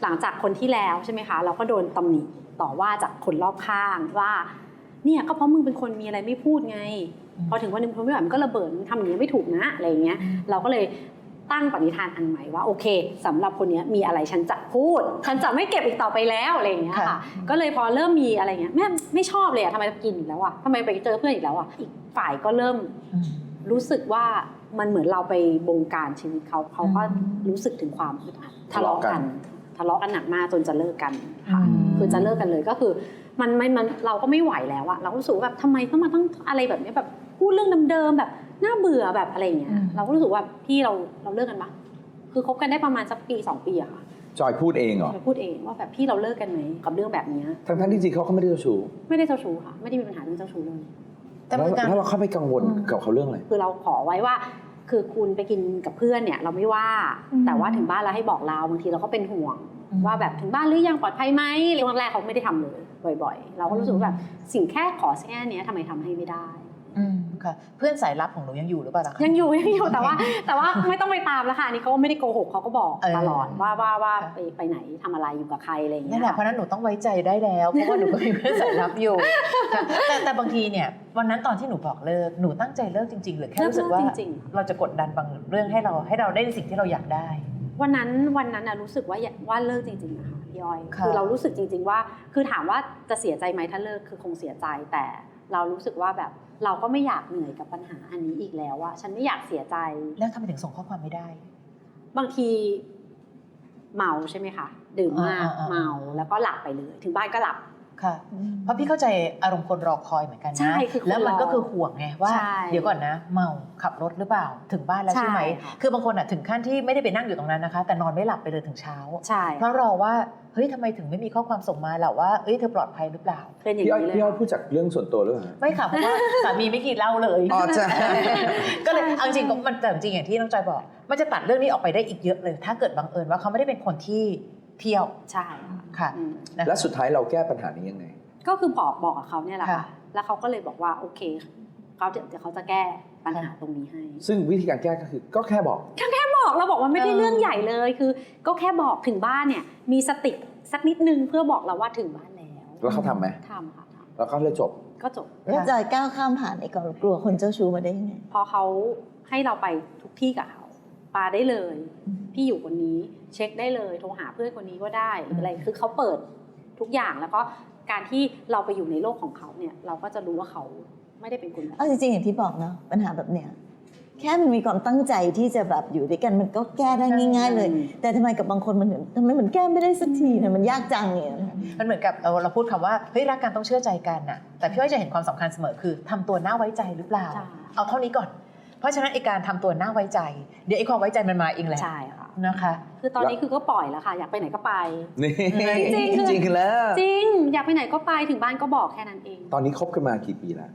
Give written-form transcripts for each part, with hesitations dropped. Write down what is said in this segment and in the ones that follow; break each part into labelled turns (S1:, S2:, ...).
S1: หลังจากคนที่แล้วใช่ไหมคะเราก็โดนตำหนิต่อว่าจากคนรอบข้างว่าเนี่ยก็เพราะมึงเป็นคนมีอะไรไม่พูดไงพอถึงวันนึงทนไม่ไหวมันก็ระเบิดทำอย่างนี้ไม่ถูกนะอะไรอย่างเงี้ยเราก็เลยตั้งปณิธานอันใหม่ว่าโอเคสำหรับคนนี้มีอะไรฉันจะพูดฉันจะไม่เก็บอีกต่อไปแล้วอะไรอย่างเงี้ยค่ะก็เลยพอเริ่มมีอะไรเงี้ยแม่ไม่ชอบเลยอะทำไมกินอีกแล้วอะทำไมไปเจอเพื่อนอีกแล้วอะอีกฝ่ายก็เริ่มรู้สึกว่ามันเหมือนเราไปบงการชีวิตเขาก็รู้สึกถึงความอึดอัดทะเลาะกันหนักมากจนจะเลิกกันค่ะคือจะเลิกกันเลยก็คือมันเราก็ไม่ไหวแล้วอะเราก็รู้สึกแบบทำไมต้องมาต้องอะไรแบบนี้แบบพูดเรื่องเดิมๆแบบน่าเบื่อแบบอะไรอย่างเงี้ยเราก็รู้สึกว่าพี่เราเลิกกันปะคือคบกันได้ประมาณสักปี2 ปีอะค่ะ
S2: จอยพูดเองเหรอ
S1: จอยพูดเองว่าแบบพี่เราเลิกกันไหมกับเรื่องแบบนี้
S2: ทั้งที่จริงเขาก็ไม่ได้เจ้าชู้
S1: ไม่ได้เจ้าชู้ค่ะไม่ได้มีปัญหาเรื่องเจ้าชู้เลย
S2: แล้วเราเข้าไปกังวลกับเขาเรื่องอะไร
S1: คือเราขอไว้ว่าคือคุณไปกินกับเพื่อนเนี่ยเราไม่ว่าแต่ว่าถึงบ้านแล้วให้บอกเราบางทีเราก็เป็นห่วงว่าแบบถึงบ้านหรือยังปลอดภัยไหมเรื่องแรกเขาไม่ได้ทำเลยบ่อยๆเราก็รู้สึกว่าแบบสิ่งแค่ขอแค่นี้ทำไมทำให้ไม่ได้
S3: ค่ะเพื่อนสายลับของหนูยังอยู่หรือเปล่าคะ
S1: ยังอยู่แต่ว่าไม่ต้องไปตามแล้วค่ะนี่เขาไม่ได้โกหกเขาก็บอกตลอดว่าไปไหนทำอะไรอยู่กับใครอะไรอย่างเงี้ย
S3: นั่นแหละเพราะนั้นหนูต้องไว้ใจได้แล้วเพราะว่าหนูก็มีเพื่อนสายลับอยู่แต่บางทีเนี่ยวันนั้นตอนที่หนูบอกเลิกหนูตั้งใจเลิกจริงๆหรือแค่รู้สึกว่าเราจะกดดันบางเรื่องให้เราได้สิ่งที่เราอยากได้
S1: วันนั้นนะรู้สึกว่าเลิกจริงๆนะคะพี่อ้อยคือเรารู้สึกจริงๆว่าคือถามว่าจะเสียใจไหมถ้าเลิกคือคงเสียใจแต่เรารู้สึกว่าแบบเราก็ไม่อยากเหนื่อยกับปัญหาอันนี้อีกแล้วอะฉันไม่อยากเสียใจ
S3: แล้วทำไมถึงส่งข้อความไม่ได้
S1: บางทีเมาใช่ไหมคะดื่มมากเมาแล้วก็หลับไปเลยถึงบ้านก็หลับ
S3: ค่ะเพราะพี่เข้าใจอารมณ์คนรอคอยเหมือนกันนะ
S1: ใช่คือ
S3: แล้วมันก็คือห่วงไงว่าเดี๋ยวก่อนนะเมาขับรถหรือเปล่าถึงบ้านแล้วใช่ไหมคือบางคนอ่ะถึงขั้นที่ไม่ได้ไปนั่งอยู่ตรงนั้นนะคะแต่นอนไม่หลับไปเลยถึงเช้า
S1: ใช่
S3: เพราะรอว่าเฮ้ยทำไมถึงไม่มีข้อความส่งมาหรอว่าเอ้ยเธอปลอดภัยหรือเปล่า
S1: เป็นอย่างนี้เลย
S2: พี่อ้อยพูดจากเรื่องส่วนตัวหรือเปล่า
S3: ไม่ค่ะเพราะว่าสามีไม่กินเหล้าเลย
S2: อ๋อใช่
S3: ก็เลยเอาจริงมันแต่จริงอย่างที่น้องจอยบอกมันจะตัดเรื่องนี้ออกไปได้อีกเยอะเลยถ้าเกิดบังเอิญว่าเขาไม่ได้เป็นคนที่เที่ยว
S1: ใช่
S3: ค่ะ
S2: และสุดท้ายเราแก้ปัญหานี้ยังไง
S1: ก็คือบอกกับเขาเนี่ยแหละค่ะแล้วเขาก็เลยบอกว่าโอเคเดี๋ยวเขาจะแก้ปัญหาตรงนี้ให้
S2: ซึ่งวิธีการแก้ก็คือก็แค่บอก
S1: เราบอกว่าไม่ได้เรื่องใหญ่เลยคือก็แค่บอกถึงบ้านเนี่ยมีสติสักนิดนึงเพื่อบอกเราว่าถึงบ้าน
S2: แล้วเขาทำไหม
S1: ทำค่ะ
S2: แล้วเขาเลยจบ
S4: แล้วจอยก้าวข้ามผ่านไอ้กลัวคนเจ้าชู้มาได้ยังไง
S1: พอเขาให้เราไปทุกที่กับเขาปาได้เลยพี่อยู่คนนี้เช็คได้เลยโทรหาเพื่อนคนนี้ก็ได้หรืออะไรคือเขาเปิดทุกอย่างแล้วก็การที่เราไปอยู่ในโลกของเขาเนี่ยเราก็จะรู้ว่าเขาไม่ได้เป็นคนแบบ
S4: จริงๆอย่างที่บอกเนาะปัญหาแบบเนี้ยแค่มันมีความตั้งใจที่จะแบบอยู่ด้วยกันมันก็แก้ได้ง่ายๆเลยแต่ทำไมกับบางคนมันเหมือนทำไมมันแก้ไม่ได้สักทีเนี่ยมันยากจังเนี่ย
S3: มันเหมือนกับเราพูดคำว่าเฮ้ยรักกันต้องเชื่อใจกันน่ะแต่พี่อ้อยจะเห็นความสำคัญเสมอคือทำตัวน่าไว้ใจหรือเปล่าเอาเท่านี้ก่อนเพราะฉะนั้นไอ้การทำตัวน่าไว้ใจเดี๋ยวไอ้ความไว้ใจมันมาเองแหละ
S1: ใช่ค่ะ
S3: นะคะ
S1: คือตอนนี้คือก็ปล่อยแล้วค่ะอยากไปไหนก็ไป
S2: จริงแล้ว
S1: จริงอยากไปไหนก็ไปถึงบ้านก็บอกแค่นั้นเอง
S2: ตอนนี้คบกันมากี่ปีแล้ว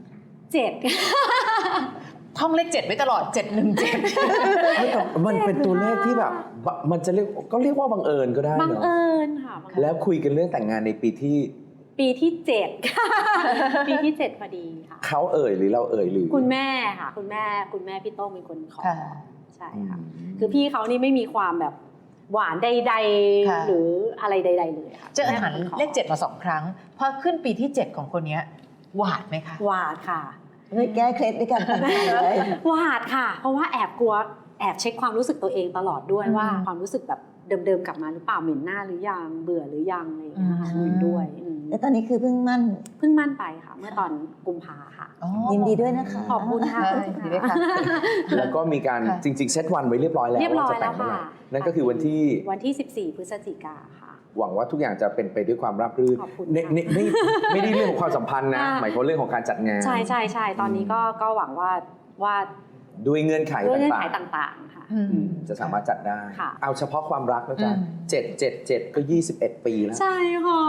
S1: 7
S3: ท่องเลข7ไว้ตลอด717
S2: มันเป็นตัวเลขที่แบบมันจะเรียกว่าบังเอิญก็ได้เนอะ
S1: บังเอิญค่ะ
S2: แล้วคุยกันเรื่องแต่งงานในปีที่
S1: 7ปีที่7พอดีค่ะ
S2: เขาหรือเราหรือ
S1: คุณแม่ค่ะคุณแม่พี่โต้งเป็นคนขอใช่ค่ะคือพี่เขานี่ไม่มีความแบบหวานใดๆหรืออะไรใดๆเลยค่ะ
S3: เจอหันเลข7มา2ครั้งพอขึ้นปีที่7ของคนนี้หวาดไหมคะ
S1: หวาดค่ะ
S4: เลยแก้เคล็ดด้วยกัน
S1: หวาดค่ะเพราะว่าแอบเช็คความรู้สึกตัวเองตลอดด้วยว่าความรู้สึกแบบเดิมๆกลับมาหรือเปล่าเหม็นหน้าหรือยังเบื่อหรือยังอะไรอย่างเงี้ยค่ะด้วย
S4: แต่ตอนนี้คือเพิ่งมั่น
S1: ไปค่ะเมื่อตอนกุมภาค่ะ
S4: ยินดีด้วยนะคะ
S1: ขอบคุณค่ะ
S2: แล้วก็มีการจริงๆเซตวันไว้เรียบร้อยแล้วว่าจะแต่งเมื่อไหร่นั่นก็คือวัน
S1: ที่14 พฤศจิกาค่ะ
S2: หวังว่าทุกอย่างจะเป็นไปด้วยความราบรื่นไม่ได้เรื่องของความสัมพันธ์นะหมายถึงเรื่องของการจัดงาน
S1: ใช่ตอนนี้ก็หวังว่า
S2: ด้วยเงื่อนไข
S1: ต่างๆค่ะ
S2: จะสามารถจัดได้เอาเฉพาะความรักนะจ๊ะ7ก็21 ปีแล้ว
S1: ใช่ค่ะ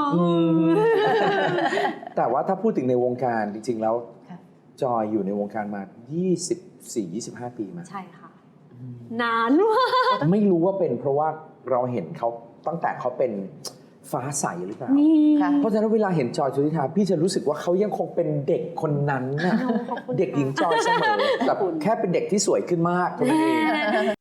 S2: แต่ว่าถ้าพูดถึงในวงการจริงๆแล้วจอยอยู่ในวงการมา24-25 ปีมา
S1: ใช่ค่ะนานมาก
S2: ไม่รู้ว่าเป็นเพราะว่าเราเห็นเขาตั้งแต่เขาเป็นฟ้าใสหรือเปล่าเพราะฉะนั้นเวลาเห็นจอยชุติธาพี่จะรู้สึกว่าเขายังคงเป็นเด็กคนนั้นนะเด็กหญิงจอยเสมอแต่แค่เป็นเด็กที่สวยขึ้นมากเท่านั้นเอง